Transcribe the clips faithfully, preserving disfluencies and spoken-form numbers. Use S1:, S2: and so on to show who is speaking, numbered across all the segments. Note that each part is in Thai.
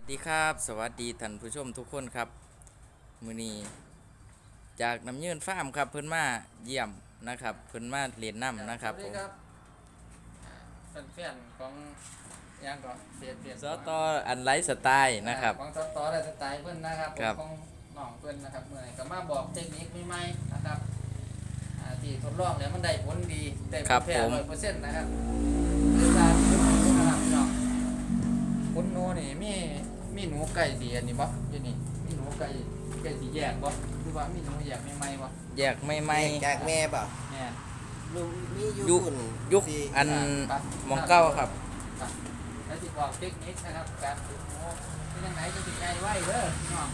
S1: ดีครับสวัสดีท่านผู้ชมทุกคนครับมื้อนี้จากน้ำยืนฟาร์มครับเพิ่นมาเยี่ยมนะครับเพิ่นมาเรียนน้ำนะครับผม
S2: แฟนๆของยังก่อนเสียเปลี่ยน
S1: สตออันไลฟ์สไตล์นะครับ
S2: ของสตอและสไตล์เพิ่นนะครับของน้องเพิ่นนะครับเมื่อไหร่ก็มาบอกเทคนิคใหม่ๆนะครับที่ทดลองแล้วมันได้ผลดีได้ผลแท้ร้อยเปอร์เซ็นต์นะครับคือการนะครับน้องคุณหนูนี่มีมีหนูไก่สีอันนี้บ่อยู่นี่มีหนูไก่ไก่สีแยกบ่หรือว่ามีหนูแยกใหม่ๆบ่
S1: แยกไม่ไม่
S3: จากแม่เปล่า
S2: แม่
S3: ลุงมียุ
S1: ยุ
S3: ค
S1: ยุคอันมองเก้าครับ
S2: แล้วที่บอกเทคนิคนะครับการฝึกหนูที่ยังไงจะติดใจไว้เด้อพี่น้อง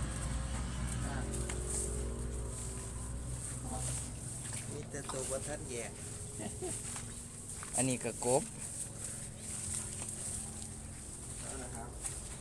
S3: มีแต่ตัววัฒนแย่
S1: อันนี้ก็กบ
S2: นะครับ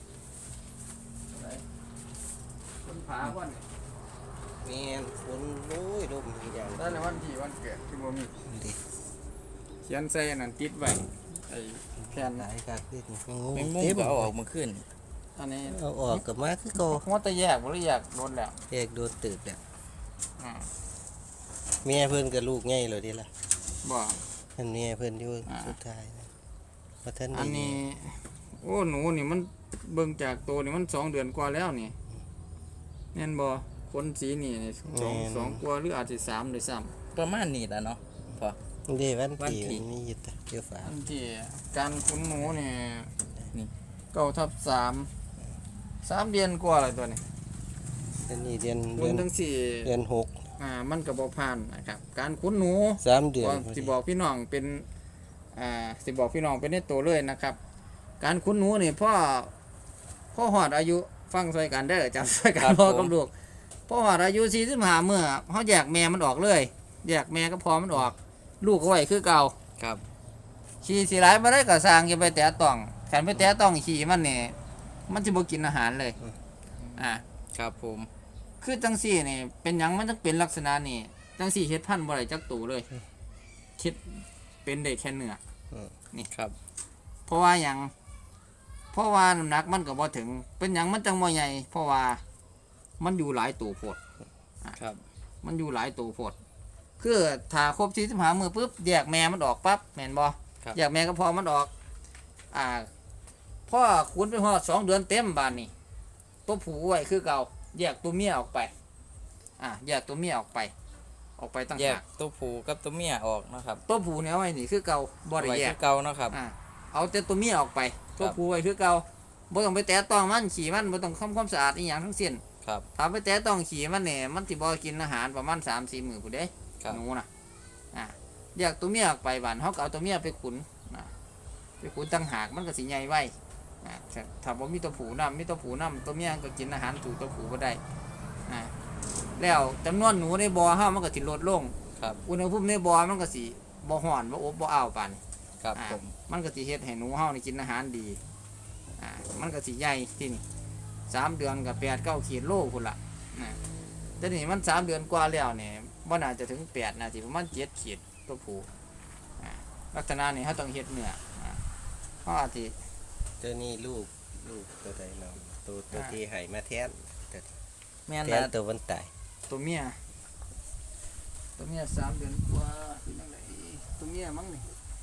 S2: คนผาวัน
S3: แม่นฝนโอ้ยลมอีกอย่าง
S2: แล้วในวันที่วันเกิดที่บ่มี
S3: ดิ
S2: เขียนใส่นั่นติดไว้ไอ้แผ่น
S3: หลายกักดิงู
S1: แมงมุม
S3: เต็ม
S1: ก็เอาออกมาขึ้น
S2: อันนี้
S3: เอาออกกับมาคือโก
S2: งดแต่แยกบ่หรือแยกโดนแล้ว
S3: แยกโดนตึกอ่ะ
S2: อ่า
S3: แม่เพิ่นกับลูกง่ายเลยดิล่ะ
S2: บ่
S3: อันแม่เพิ่นอยู่สุดท้ายนะวัฒน
S2: อันนี้โอ้หนูนี่มันเบิ่งจากตัวนี่มันสองเดือนกว่าแล้วนี่แม่นบ่คนสีนี่สองสองกว่าหรืออาจสิสามด้วยซ้ำ
S1: ประมาณนี้แหละเนาะพอ
S3: เด้วัน
S1: วัน
S3: ที่
S1: ที่
S3: มีอยู่แต่เกี่ยวฝา
S2: อันที่การคุ้นหนูนี่
S1: นี่
S2: เก้าทับสามสามเดือนกว่าอะไรตัวนี้
S3: อันนี้เดือน
S2: คุ
S3: เดื
S2: ณ
S3: อน
S2: ทั้งสี่
S3: เดือนหก
S2: อ่ามันก็บ่ผ่านนะครับการคุ้นหนู
S3: สามเดือน
S2: ก็สิบอกพี่น้องเป็นอ่าสิบอกพี่น้องเป็นในตัวเลยนะครับ การคุ้นหนูนี่พ่อพ่อหอดอายุฟังซอยกันเด้อจำซอยกันพ่อกับลูกพ่อหอดอายุสี่สิบห้าเมื่อเขาแยกแม่มันออกเลยแยกแม่ก็พอมันออก ลูกก็ไว้คือเก่า
S1: ครับ
S2: ขี่สีหลายมาได้ก็สร้างอย่าไปแตะต้องขันไปแตะต้องขี่มันนี่มันจะบ่กินอาหารเลยอ่า
S1: ครับผม
S2: คือจังสี่นี่เป็นหยังมันต้องเป็นลักษณะนี่จังสี่เฮ็ดพันธุ์บ่ได้จักตูเลยคิดเป็นได้แค่เนื้อ
S1: นี่ครับ
S2: เพราะว่าหยังเพราะว่าน้ำหนักมันก็บ่ถึง เป็นหยังมันจังบ่ใหญ่เพราะว่ามันอยู่หลายตัวโพด
S1: ครับ
S2: มันอยู่หลายตัวโพดคือถ้าครบสี่สิบห้ามื้อปุ๊บแยกแม่มันออกปั๊บแม่นบ่
S1: ครับ
S2: แยกแม่ก็พอมันออก อ่าพ่อขุนไปฮอดสองเดือนเต็มบานนี่ตัวผู้ไว้คือเก่าแยกตัวเมียออกไป อ่าแยกตัวเมียออกไป ออกไปตั้ง
S1: แยก
S2: หาก
S1: ตัวผู้กับตัวเมียออกนะครับ
S2: ตัวผู้เนี่ยเอาไว้นี่คือเก่าบ่ได้
S1: ไว้
S2: แย
S1: คื
S2: ก
S1: อเก่าเนาะครับ
S2: อ่าเอาแต่ตัวเมียออกไป
S1: ครั
S2: ตัว
S1: บ
S2: ผู้ไว้คือเก่าบ่ต้องไปแตะต้องมันขี่มันบ่ต้องทำความสะอาดอีหยังทั้งสิ้น
S1: ครับ
S2: ถ้าไปแตะต้องขี่มันเนี่ยมันสิบ่กินอาหารประมาณ สามสี่ มื้อพุ่นเด้
S1: ครับ
S2: หนูน่ะอ่าแยกตัวเมียออกไปบานเฮาก็เอาตัวเมียไปขุนอ่าไปขุนตั้งหากมันก็สิใหญ่ไว้อ่าถ้าถ้าบ่มีตัวผู้นำมีตัวผู้นำตัวเมียก็กินอาหารถูกตัวผู้บ่ได้อ่าแล้วจำนวนหนูในบ่อเฮามันก็สิลดลง
S1: ครับ
S2: อุณหภูมิในบ่อมันก็สิบ่ร้อนบ่อบบ่อ้าวปานนี้
S1: ครับ
S2: อ่า
S1: ผม
S2: มันก็สิเฮ็ดให้หนูเฮานี่กินอาหารดีอ่ามันก็สิใหญ่ที่นี่สามเดือนก็แปด เก้าขีดโลพุ่นล่ะนะแต่นี่มันสามเดือนกว่าแล้วนี่บ่น่าจะถึงแปดน่าสิประมาณเจ็ดขีดตัวผู้อ่าลักษณะนี้เฮาต้องเฮ็ดเนื้ออ่าเฮาอาจสิ
S3: ตัวนี้ลูกลูกตัวใดเนาะตัวตัวที่ให้มาแทน
S1: แม่น
S3: แท
S1: แล้ว
S3: นตัววันตาย
S2: ตัวเมียตัวเมียสามเดือนกว่าเป็นจังไดตัวเมียมั้งนี่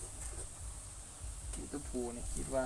S2: นี่ตัวผู้นี่คิดว่า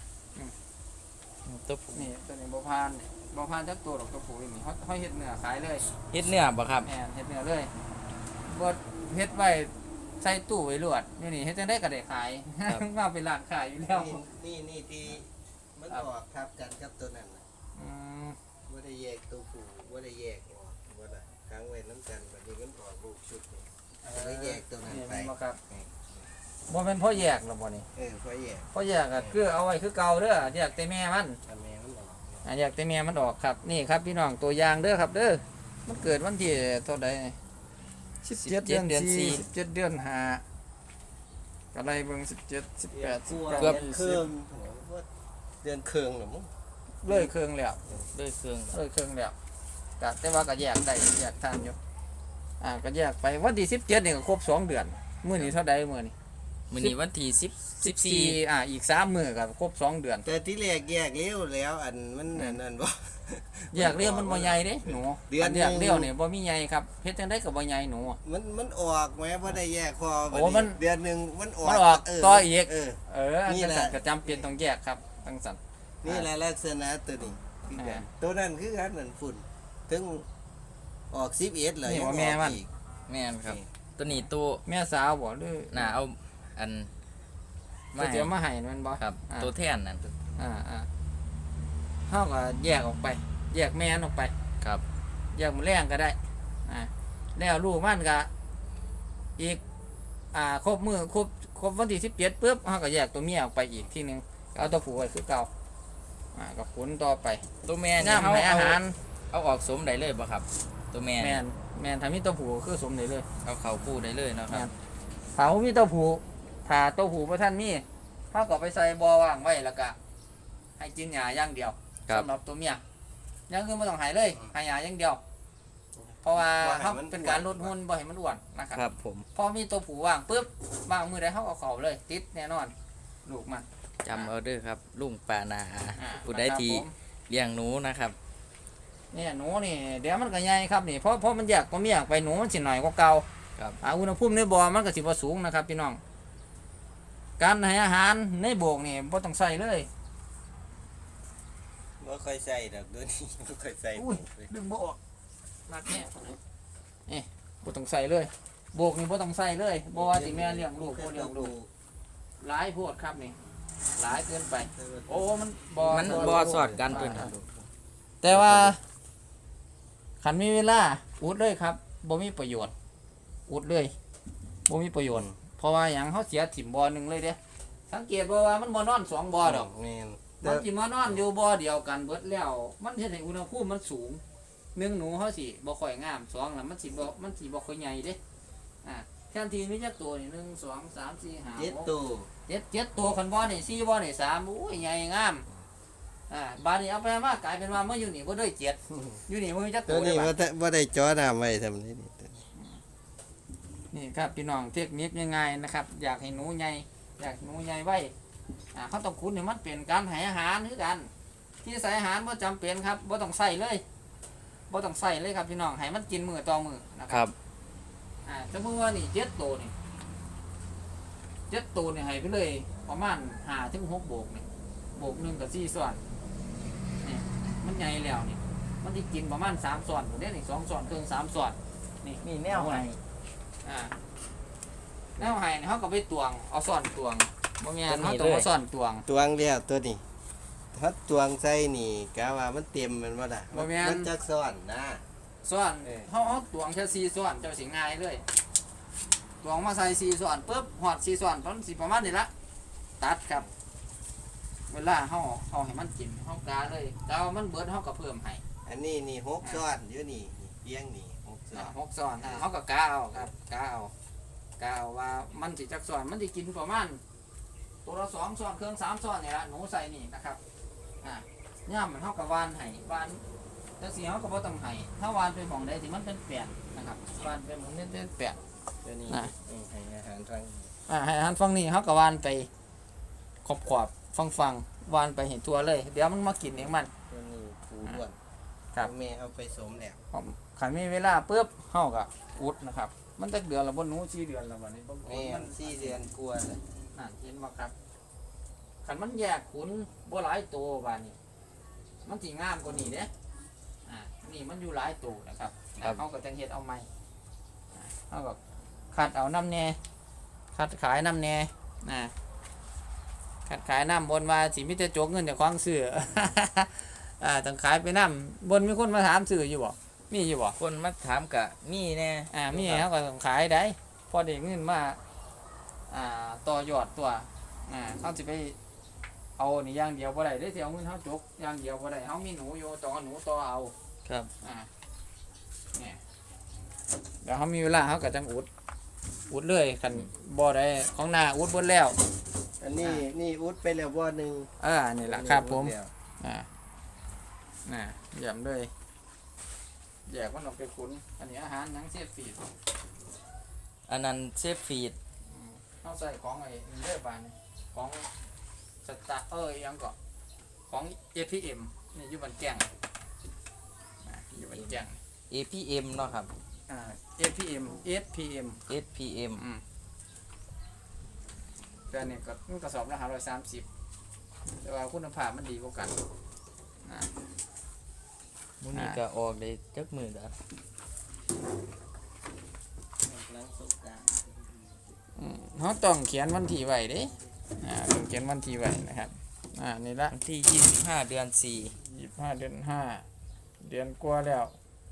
S1: ตัวผู้
S2: นี่ตัวนี้บ่ผ่านนี่บ่ผ่านจักตัวหรอกตัวผู้นี่เฮาเฮาเฮ็ดเนื้อขายเลย
S1: เฮ็ดเนื้อบ่ครับ
S2: แม่นเฮ็ดเนื้อเลยบ่เฮ็ดไว้ใส่ตู้ไว้รวดนี่นี่เฮ็ดจังได๋ก็ได้ขาย มาเป็นร้านขายอยู่แล้ว
S3: นี่นี่นี่ที่มันออกทับกันกับตัวนั้นน่ะ
S2: อืม
S3: ว่าได้แยกตัวผู้ว่าได้แยกออกว่าได้ค้างไว้น้ำกันวันนี้มันออกลูกชุดนี่ก็เลยแยกตัวนั้น
S2: นี่
S3: ไป
S2: แม่นบ่ครับบ่แม่นพ่อแยกหรอกบ่นี่
S3: เออพอแยก
S2: พ่อแยกก็คือเอาไว้คือเก่าเด้อแยกแต่แม่มัน
S3: ทำแม่มันออก
S2: อ่าแยกแต่แม่มันออกครับนี่ครับพี่น้องตัวอย่างเด้อครับเด้อมันเกิดวันที่เท่าใดสิบเจ็ดเดือนสี่ สิบเจ็ดเดือนห้าก็ไล่เบิ่งสิบเจ็ด สิบแปด สิบเก้า
S3: เกือบ
S2: ยี่
S3: เค
S2: สิ
S3: รื่
S2: บ
S3: องเดือนเครื่องหรือมั้ง
S2: เลยเครื่องแล้ว
S1: ด้วยเครื่อง
S2: เลยเครื่องแล้วก็แต่ว่าก็แยกได้แยกทันอยู่อ่าก็แยกไปวันที่สิบเจ็ดนี่ก็ครบสองเดือนมื้อนี้เท่าใดมื้อนี้
S1: มื้อนี้วันที่สิบ
S2: สิบ
S1: 14
S2: สี่อ่าอีกสามมื้อก็ครบสองเดือน
S3: แต่ที่แรกแยกเลี้ยวแล้วอันมันอันนั้นบ่
S2: แยกเลี้ยวมันบ่ใหญ่เด้หนู
S3: เดือน
S2: อันแยกเลี้ยวนี่บ่มีใหญ่ครับเฮ็ดจังได๋ก็บ่ใหญ่หนู
S3: มันมันออกแม้บ่ได้แยกพอบัด
S2: โอ้มัน
S3: เดือนหนึงมันออก
S2: มันออก
S3: เ
S2: ต่ออีก
S3: เออ
S2: เอออัน
S3: นี่
S2: จัง
S3: แหละ
S2: ซั่นก็จำเป็นต้องแยกครับจังซั่น
S3: นี่แหละลักษณะตัวนี้คือกัน
S2: อ่า
S3: ตัวนั้นคือกันนั่นฝุ่นถึงออกสิบเอ็ดเลย
S2: นี่ว่าแม่มัน
S3: อีก
S1: แม่นครับ ตัวนี้ตัว
S2: แม่สาวบ่หรือ
S1: น่าเอาอัน
S2: มาเดี๋ยวมาให้แม่นบ่
S1: ครับ
S2: อ่า
S1: ตัวแทนนั่น
S2: อ่าอ่าเฮาก็แยกออกไป แยกแม่นออกไป
S1: ครับ
S2: แยกหมูแรงก็ได้อ่าแล้วลูกมันก็อีกอ่าครบมือครบครบวันที่สิบเจ็ดปุ๊บเฮาก็แยกตัวเมียออกไปอีกทีหนึงเอาตัวผู้ไว้คือเก่าอ่าก็ขุนต่อไป
S1: ตัวแม่
S2: ย่ามให้อาหาร
S1: เอาออกสมได้เลยบ่ครับ ตัวแม่
S2: แม่นแม่นถ้ามีตัวผู้ก็คือสมได้เลย
S1: เอาเข้าคู่ได้เลยเนาะค
S2: แม่
S1: รับ
S2: นถ้าบ่มีตัวผู้ถ้าตัวผู้บ่ทันมีเฮาก็ไปใส่บ่อว่างไว้แล้วก็ให้กินหญ้าอย่างเดียว
S1: ครับ
S2: สำหรับตัวเมียอยังอื่นบ่ต้องให้เลยให้หญ้าอย่างเดียว เพราะว่าเฮาเป็นการลดหุ่นบ่ให้มันอ้วนนะครับ
S1: ครับผม
S2: พอมีตัวผู้ว่างปุ๊บว่างมือใดเขาเอาเขาเลย ติดแน่นอน ลูกมัน
S1: จำเอาเด้อครับ ลุงปานา
S2: อ่า
S1: ผู้ใดที่
S2: นะครับผม
S1: เลี้ยงหนูนะครับ
S2: เนี่ยหนูนี่เดี๋ยวมันก็ใหญ่ครับนี่เพราะเพราะมันอยากก็มีอยากไปหนูมันสิหน่อยกว่าเก่า
S1: ครับ
S2: อ่าอุณหภูมิในบ่อมันก็สิบ่สูงนะครับพี่น้อง การให้อาหารในโบกนี่บ่ต้องใส่เลย
S3: บ่ค่อยใส่ดอกตัวนี้ บ่ค่อยใส่
S2: อุ้ยดึงบ่ออกหนักแน่นี่บ่ต้องใส่เลยโบกนี่บ่ต้องใส่เลยบ่ว่าสิแม่เลี้ยงลูกบ่เลี้ยงลูกหลายโพดครับนี่หลายเกินไป โอ้มันบ่
S1: มันบ่สอดกันเพิ่นครับ
S2: แต่ว่าขันมีเวลาอุดเลยครับบ่มีประโยชน์อุดเลยบ่มีประโยชน์เพราะว่าหยังเขาเสียถิ่มบ่อหนึ่งเลยเด้สังเกตบ่ว่ามันบ่นอนสองบ่อดอก
S3: แม่น
S2: มันสิมานอนอยู่บ่อเดียวกันเบิดแล้ว มันเฮ็ดให้อุณหภูมิมันสูงหนึ่งหนูเขาสิบ่ค่อยงามสองแล้วมันสิบ่มันสิบ่ค่อยใหญ่เด้อ่าแทนที่มีจักตัวนี่หนึ่งสองสามสี่ห้า
S3: เจ็ด
S2: หก
S3: ตัว
S2: เจ็ดเจ็ดตัวคันบ่อนี่สี่บ่อนี่สามโอ้ยใหญ่งามอ่าบาดนี้เอาไปมากลายเป็นว่าเมื่ออยู่นี่บ่ได้เจ็ดอยู่นี่บ่มีจัก
S3: ตั
S2: ตัว ว
S3: นี้
S2: เด้
S3: บ่
S2: บัด
S3: ได้บ่ได้จ่อน้ำไว้ทำนี้นี่
S2: นี่ครับพี่น้องเทคนิคง่ายๆนะครับ อยากให้หนูใหญ่อยากให้หนูใหญ่ไว้อ่าเขาต้องคุ้นให้มันเป็นการให้อาหารคือกัน ที่ใส่อาหารบ่จำเป็นครับบ่ต้องใส่เลยบ่ต้องใส่เลยครับพี่น้องให้มันกินมือต่อมือนะค
S1: ครับ รับ
S2: อ่าสมมติว่านี่เจ็ดตัวนี่เจ็ดตัวนี่ให้ไปเลยประมาณห้าถึงหกโบกนี่โบกหนึ่งกับสี่ส่วนนี่มันใหญ่แล้วนี่มันที่กินประมาณสามส่วนผมได้นี่สองส่วนเครื่องสามส่วนนี่
S1: มีแนวให้
S2: อ่าแนวให้นี่เขาก็ไปตวงเอาส่วนตวงบ่แม่น
S1: ตัวนี้
S2: เขาต้องเอา
S1: เลย
S2: ส่วนตวง
S3: ตวงแล้วตัวนี้ถ้าตวงใส่นี่กะว่ามันเต็มแมันบ่ล่ะ
S2: บ่แม่น
S3: มันจักซ้อนนะ
S2: ส่วน
S3: เออ
S2: เขาเอาตวงแค่สี่ส่วนเจ้าสิง่ายเลยตวงมาใส่สี่ส่วนปุ๊บหอดสี่ส่วนประมาณสิประมาณนี้ละตัดครับ เวลาเขาเอาให้มันกินเขากาเลยแต่ว่ามันเบิดเขาก็เพิ่มให้
S3: อันนี้นี่หกซ้อนอยู่นี่นี่เพียงนี่หกซ้อ
S2: อ่ะ
S3: น
S2: หกส่วนอ่ะเขาก็กาเอาครับกาเอากาเอาว่ามันสิจักส่วนมันสิกินประมาณตัวละสองส่วนเครื่องสามส่วนนี่ละหนูใส่นี่นะครับอ่ะย่ามมันเขาก็วานให้วานแต่สีเขาก็บ่ต้องให้ถ้าวานไปหมองใดที่มันเป็นแปดนะครับวานไปหมองนี้เป็นแปด
S3: ตัวนี้
S2: อ่ะ
S3: อืมให้อาหารทาง
S2: อ่าให้อาหันฟังนี่เขาก็วานไปขอบขอบฟังฟังวานไปเห็นตัวเลย เดี๋ยวมันมากินเองมัน
S3: ตัวนี้ผูด้วน
S2: ครับ
S3: แม่เอาไปสมแล้ว
S2: ผมขันมีเวลาปุ๊บเขาก็อุดนะครับ มันจะเดือนละบนหนูสี่เดือนละวันนี้บางคน
S3: แม่
S2: มัน
S3: สี่เดือนกลัวาเลย
S2: นั่นเห็นบ่ครับขันมันแยกขุนบ่หลายตัวบานนี้ มันสีงามกว่านี้เด้อ่านี่มันอยู่หลายตัวนะครับ
S1: ครับ
S2: เขาก็จังเฮ็ดเอาใหม่อ่าเขาก็คัดเอาน้ำแน่คัดขายน้ำแน่นะคัดขายน้ำบนว่าสิมิจะจกเงินจากควางซื้อ อ่าต้องขายไปน้ำบนมีคนมาถามซื้ออยู่บ่มีอยู่บ่
S1: คนมาถามกะมีแน่
S2: อ่ามีเขาก็ต้องขายได้พอได้เงินมาอ่าต่อยอดตัวอ่าเขาสิไปเอานี่อย่างเดียวบ่ได้ได้สิเอาเงินเขาจกอย่างเดียวบ่ได้เขามีหนูอยู่ต้องเอาหนูต่อเอา
S1: ครับ
S2: อ่าเนี่ยเดี๋ยวเขามีเวลาเขาก็จังอุดอุดเลยคันบ่ได้ของหน้าอุดเบนแล้ว
S3: อันนี้นี่อุดไปแล้วบ่หนึ่ง
S2: อ่านี่แหละครับผม
S3: อุดแล้ว
S2: อ่าน่ะเยี่ยมเลยแยกมันออกไปขุนอันนี้อาหารหยังเสียฟีด
S1: อันนั้นเซฟฟีด
S2: เขาเขาใส่ของไอ้เลือบานนี่ของสตาร์เออยังก็ของ เอ พี เอ็ม นี่อยู่บันแจ้งอ่าอยู่บันแจ้ง
S1: เอ พี เอ็ม เนาะครับ
S2: อ่า เอ พี เอ็ม เอส พี เอ็ม
S1: เอส พี เอ็ม
S2: อืมแต่เนี่ยก็มันกระสอบละห้าร้อยสามสิบแต่ว่าคุณภาพมันดีกว่ากันอ่า
S1: มื้อนี้ก็ออกได้จักมื้อแล้ว
S3: หลังสงกรานต์
S2: อืมเขาต้องเขียนวันที่ไว้เด้อ่าต้องเขียนวันที่ไว้นะครับอ่านี่ละ
S1: วันที่ยี่สิบห้าเดือนสี่
S2: ยี่สิบห้าเดือนห้าเดือนกว่าแล้ว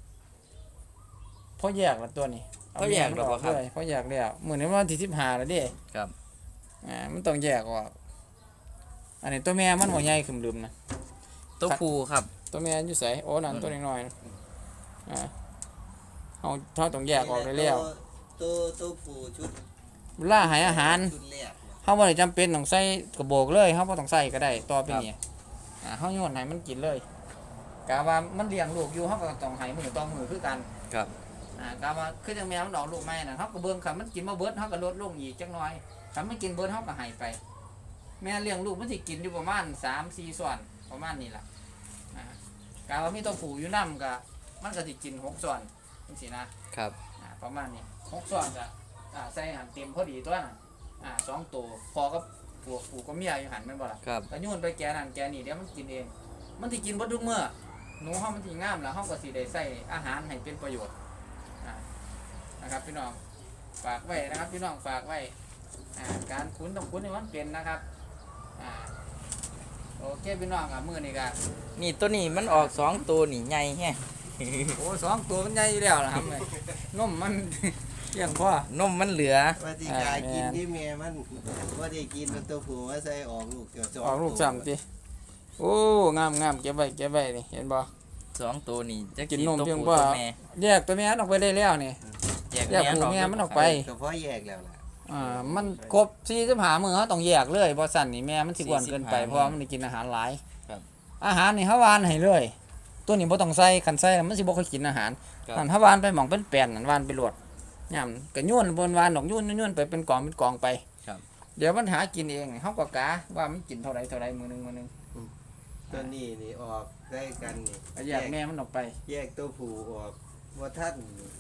S2: พอแยกแล้วตัวนี้
S1: เขาแยกแล้วบ่ครับ
S2: เลยพอแยกแล้วมื้อนี้วันที่สิบห้าแล้วเด้
S1: ครับ
S2: อ่ามันต้องแยกออกอันนี้ตัวแม่มันบ่ใหญ่ขึ้นลืมนะ
S1: ตัวผู้ครับ
S2: ตัวแม่อยู่ไสโอ้นั่นตัวน้อยๆนะอ่าเฮาเฮาต้องแยกออกได้แล้ว
S3: ตัวตัวผู้ชุด
S2: เวลาให้อาหาร
S3: ชุดแรกเนี่ย
S2: เฮาบ่ได้จำเป็นต้องใส่กระโบกเลยเฮาบ่ต้องใส่ก็ได้ต่อไปนี้อ่าเฮาโยนให้มันกินเลยกะว่ามันเลี้ยงลูกอยู่เฮาก็ต้องให้มื้อต่อมื้อคือกัน
S1: ครับ
S2: อ่ากะว่าคือจังแม่มันออกลูกใหม่น่ะเฮาก็เบิ่งคันมันกินบ่เบิดเฮาก็ลดลงอีกจักหน่อยคันมันกินเบิดเฮาก็ให้ไป แม่เลี้ยงลูกมันสิกินอยู่ประมาณ สามถึงสี่ ส่วนประมาณนี้ล่ะอ่ากะว่ามีตัวผู้อยู่นำก็มันก็สิกินหกส่วนจังซี่นะครับ อ่าประมาณนี้หกส่วนก็อ่าใส่หันเต็มพอดีตัวน่ะอ่าสองตัวพอกับผัวผู้กับเมียอยู่หันแม่นบ่ล่ะ
S1: ครับ
S2: ก็โยนไปแกนั่นแกนี่เดี๋ยวมันกินเอง มันสิกินเบ่ทุกมื้อหนูเฮามันสิงามแล้วเฮาก็สิได้ใส่อาหารให้เป็นประโยชน์อ่านะครับพี่น้องฝากไว้นะครับพี่น้องฝากไว้อ่าการคุ้นต้องคุ้นให้มันเป็นนะครับอ่าโอเคพี่น้องอ่ะมื้อนี้ก็
S1: นี่ตัวนี้มันออกสองตัวนี่ใหญ่แฮะ
S2: โอ้สองตัวมันใหญ่อยู่แล้วล่ะครับแม่นมมัน เพียงพอน
S1: มมันเหลือ
S3: ว่าที่กายกินที่แม่มันว่าที่กินแล้วตัวผู้ว่าใส่ออกลูกเกี่ยว
S2: ออกลูกซ้ำติโอ้งามงามเก็บไว้เก็บไว้นี่เห็นบ่
S1: สองตัวนี่จะ
S2: กินนม
S1: ตัว
S2: เพียง
S1: ผู้
S2: พอ
S1: ตัวแม่
S2: แยกตัวแม่ออกไปได้แล้วนี่
S1: แยก
S2: แยกผู้แม่มันออกไป
S3: ก็เพราะแยกแล้วล่ะ
S2: อ่ามันครบสี่สิบห้ามื้อเฮาต้องแยกเลยบ่สั่นนี่แม่มันสิอ้วนเกินไปเพราะว่ามันได้กินอาหารหลาย
S1: ครับ
S2: อาหารนี่เฮาวานให้เลย ตัวนี้บ่ต้องใส่คันใส่แล้วมันสิบ่ค่อยกินอาหาร
S1: ครับ
S2: นั่นเฮาวานไปหม่องเป็นแป้นนั่นวานไปโลดย่ํก็โยนบนวานดอกโยนโยนไปเป็นกองเป็นกองไป
S1: ครับ
S2: เดี๋ยวมันหากินเองเฮาก็กะว่ามันกินเท่าใดเท่าใดมื้อหนึงมื้อหนึง
S3: ตัวนี้นี่ออกได้กันนี่
S2: ก็แยกแม่มันออกไป
S3: แยกตัวผู้ออกว่าท่าน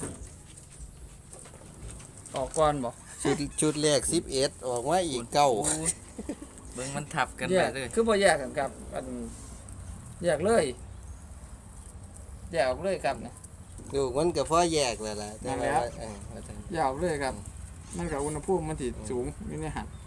S2: ออกก่อนบ่
S3: ชุดชุดแรกสิบเอ็ดออกมาอีกเก้า
S1: เบิ่งมันทับกัน
S2: แย
S1: ไป
S2: ก
S1: เลย
S2: คือบ่แยกกันครับอันแยกเลยแยกออกเลยครับนะ
S3: ลูกมันก็เพราะแยกแล้วล่ะแต่
S2: นั่นแห
S3: ว่า
S2: ละ
S3: เออว่าท่าน
S2: แยกออกเลยครับ มันก็อุณหภูมิมันสิสูงอยู่ในหัน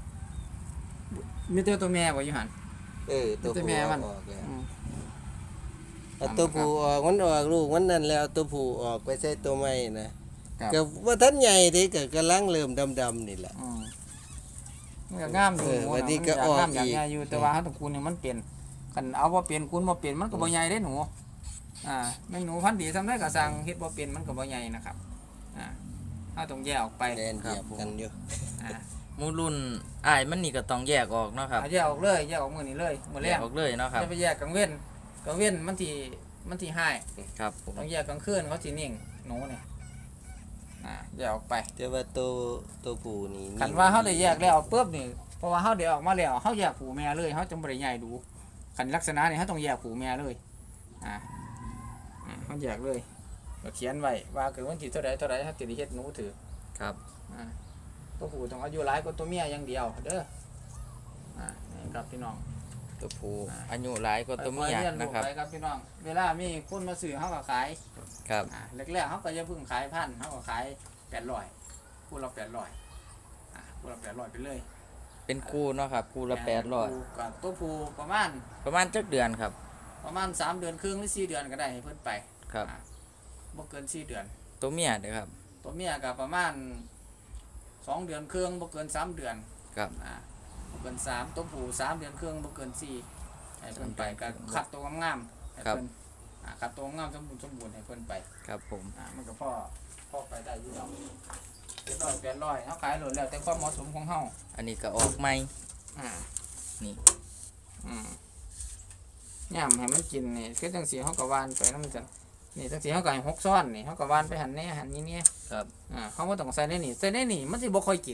S2: มีแต่ตัวแม่บ่อยู่หัน
S3: เออตัว
S2: แต่
S3: ผู้
S2: แม่มัน
S3: ออกแล้ว
S2: อืม
S3: เอาตัวผู้ออกมันออกลูกมันนั่นแล้วตัวผู้ออกไปใส่ตัวใหม่นะก็ว่าท่านใหญ่เด้ก็กำลังเริ่มดำๆนี่แหละ
S2: อืมมันก็งามอยู่
S3: เออ
S2: หมู
S3: วันนี้
S2: น่ะ
S3: ก็
S2: มันยากงาม
S3: ออก
S2: อยาก
S3: อีก
S2: ใหญ่อยู่แต่ว่าเฮาต้องคูณให้มันเป็นคันเอาบ่เป็นคูณบ่เป็นมันก็บ่ใหญ่เด้หนูอ่าแม่งหนูพันธุ์ดีซำใดก็สั่งเฮ็ดบ่เป็นมันก็บ่ใหญ่นะครับอ่าเฮาต้องแยกออกไป
S3: แดนเหยียบกันอยู่
S2: อ่า
S1: หมูรุ่นอ้ายมันนี่ก็ต้องแยกออกเนาะครับ
S2: เอาแยกออกเลยแยกออกมื้อนี้เลยมื้อ
S1: แย
S2: แร
S1: ก
S2: ก
S1: ออกเลยเนาะครับ
S2: จะไปแยกกลางเว้นกลางเว้นมันสิมันสิหาย
S1: ครับผม
S2: ต้องแยกกลางคืนเขาสินิ่งหนูนี่อ่าแยกออกไป
S3: แต่ว่าตัวตัวผู้นี่
S2: คันว่าเขาได้แยกแล้วปุ๊บนี่เพราะว่าเขาได้ออกมาแล้วเขาแยกผูแม่เลยเขาจะบ่ได้ใหญ่ดูคันลักษณะนี่เขาต้องแยกผูแม่เลยอ่าอ่าเขาแยกเลยก็เขียนไว้ว่าเกิดวันที่เท่าใดเท่าใดเขาจะได้เฮ็ดหนูถือ
S1: ครับ
S2: อ่าตัวผู้ต้องอายุหลายกว่าตัวเมียอย่างเดียวเด้ออ่านี่ครับพี่น้อง
S1: ตัวผู้อายุหลายกว่าตัวเมีย
S2: ไปเรียน
S1: นะ
S2: รู้
S1: ครับ
S2: ไปครับพี่น้องเวลามีคนมาซื้อเขาก็ขาย
S1: ครับ
S2: อ่าแรกๆเขาก็จะเพิ่งขายพันเขาก็ขายแปดร้อยคู่ละแปดร้อยอ่าคู่ละแปดร้อยไปเลย
S1: เป็นคู่เนาะครับคู่ละแปดร้อย
S2: คู่กับตัวผู้ประมาณ
S1: ประมาณจักเดือนครับ
S2: ประมาณสามเดือนครึ่งหรือสี่เดือนก็ได้ให้เพิ่นไป
S1: ครับ
S2: อ่าบ่เกินสี่เดือน
S1: ตัวเมียเด้อครับ
S2: ตัวเมียก็ประมาณสองเดือนครึ่งบ่เกินสามเดือน
S1: ครับ
S2: อ่าบ่เกินสามตัวผู้สามเดือนครึ่งบ่เกินสี่ให้เพิ่นไปก็คัดตัวงามๆให้เพิ่นอ่าคัดตัวงามสมบูรณ์สมบูรณ์ให้เพิ่นไป
S1: ครับผม
S2: อ่ามันก็พ่อพ่อไปได้อยู่ดอกเจ็ดร้อยแปดร้อยเขาขายโหลดแล้วแต่ความเหมาะสมของเฮา
S1: อันนี้ก็ออกใหม่
S2: อ่า
S1: นี่
S2: อืมย่ำให้มันกินนี่คือจังสีเขาก็วานไปแล้วมันจะนี่จังสีเขาก็ให้หกซ้อนนี่เขาก็วานไปหันแน่หันนี้เนี่ย
S1: ครับ
S2: อ่าเขาบ่ต้องใส่ในนี่ใส่ในนี่มันสิบ่ค่อยกิน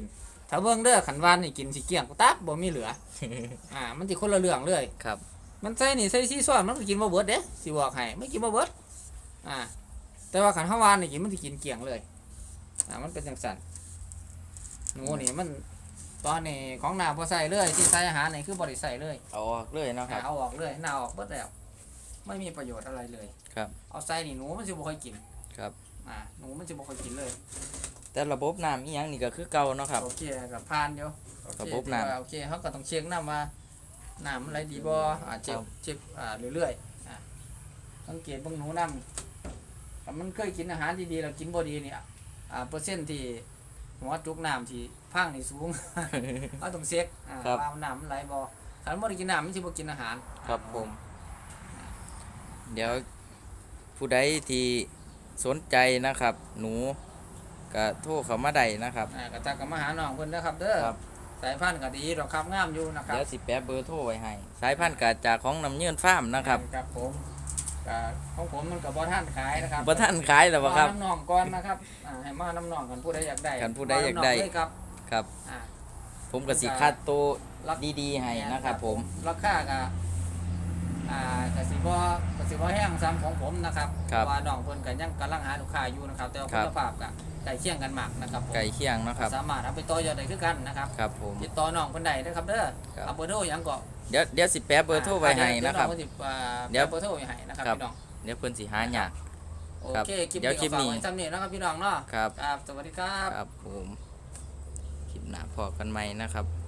S2: ถ้าเบิ่งเด้อขันวานนี่กินสิเกลี้ยงตับบ่มีเหลือ อ่ามันสิคนละเรื่องเลย
S1: ครับ
S2: มันใส่นี่ใส่ซีซ้อนมันก็กินบ่เบิดเด้สิบอกให้ไม่กินบ่เบิดอ่าแต่ว่าขันเฮาวานนี่กินมันสิกินเกลี้ยงเลยอ่ามันเป็นจังซั่นหนูนี่มันตอนนี้ของหน้าบ่ใส่เลยที่ใส่อาหารนี่คือบ่ได้ใส่เลย
S1: เอาออกเลยเนาะครับ
S2: อ่าเอาออกเลยหน้าออกเบิดแล้วไม่มีประโยชน์อะไรเลย
S1: ครับ
S2: เอาใส่นี่หนูมันสิบ่ค่อยกิน
S1: ครับ
S2: อ่าหนูมันสิบ่ค่อยกินเลย
S1: แต่ระบบน้ำอีหยังนี่ก็คือเก่าเนาะครับ
S2: โอเคกับผ่านอยู่โอเค
S1: ระบบน้ำ
S2: ถือว่าโอเคเขาก็ต้องเช็คน้ำว่าน้ำมันไหลดีบ่อ่าเช็ค
S1: ครับ
S2: เช็คอ่าเรื่อยๆอ่าสังเกตเบิ่งหนูน้ำถ้ามันเคยกินอาหารดีๆแล้วกินบ่ดีเนี่ยอ่าเปอร์เซ็นต์ที่หัวจุกน้ำที่พังนี่สูง เขาต้องเช็คอ่า
S1: ครับ
S2: ว่าน้ำมันไหลบ่ถ้ามันบ่ได้กินน้ำมันสิบ่กินอาหาร
S1: ครับผม เดี๋ยวผู้ใดที่สนใจนะครับ หนูก็โทรเข้ามาได้นะครับ
S2: อ่าก็ทักกันมาหาน้องเพิ่นนะครับเด้อ
S1: ครับ
S2: สายพันธุ์ก็ดีดอกครับงามอยู่นะครับ
S1: เดี๋ยวสิแปะเบอร์โทรไว้ให้ สายพันธุ์กาจากของน้ำเยื่นฟาร์มนะครับ
S2: ครับผมก็ของผมมันก็บ่ทันขายนะครับ
S1: บ่ท่านขายแล้วบ่ครับ
S2: มาน้ำหนองก่อนนะครับอ่าให้มาน้ำหนองกันผู้ใดอยากได้
S1: กันผู้ใดอยากได้
S2: มน้ำหนงเลยครับ
S1: ครับ
S2: อ่า
S1: ผมก็สิคัดตัว
S2: รัก
S1: ดีๆให้นะครับผม
S2: ราคาก็อ่ากสิบ่กสิบ่แห้งซ้ำของผมนะครับ
S1: ครับ
S2: เพาะว่าน้องเพิ่นก็ยังกำลังหาลูกค้าอยู่นะครับ แต่ว่า
S1: ครั
S2: คุ
S1: บ
S2: ณภาพก็ใกล้เคียงกันมากนะครับผม
S1: ไก่เคียงเนาะครับ
S2: สามารถเอาไปต่อยอดได้คือกันนะครับ
S1: ครับผม
S2: ติดต่อน้องเพิ่นได้เด้อครับเด้อ
S1: ครับ
S2: เอาเบอร์โทรหยังก็
S1: เดี๋ยวเดี๋ยวสิแปะเบอร์โทรไว้ให้นะครับ
S2: เดี๋ยวองเพิ่นสิอ่า
S1: เดี๋ยว
S2: แปะเบอร์โทรไว้ให้นะครับ
S1: ครับ
S2: พี่น้อง
S1: เดี๋ยวเพิ่นสิหายาก
S2: โอ
S1: ครับ
S2: เคคลิป
S1: เดี๋ยว
S2: นี้
S1: คลิ
S2: ก็
S1: ป
S2: ฝาก
S1: นี้
S2: ไว้ซ้ำนี้นะครับพี่น้องเนาะ
S1: ครับ
S2: ครับสวัสดีครับ
S1: ครับผมคลิปหน้าพอกันใหม่นะครับ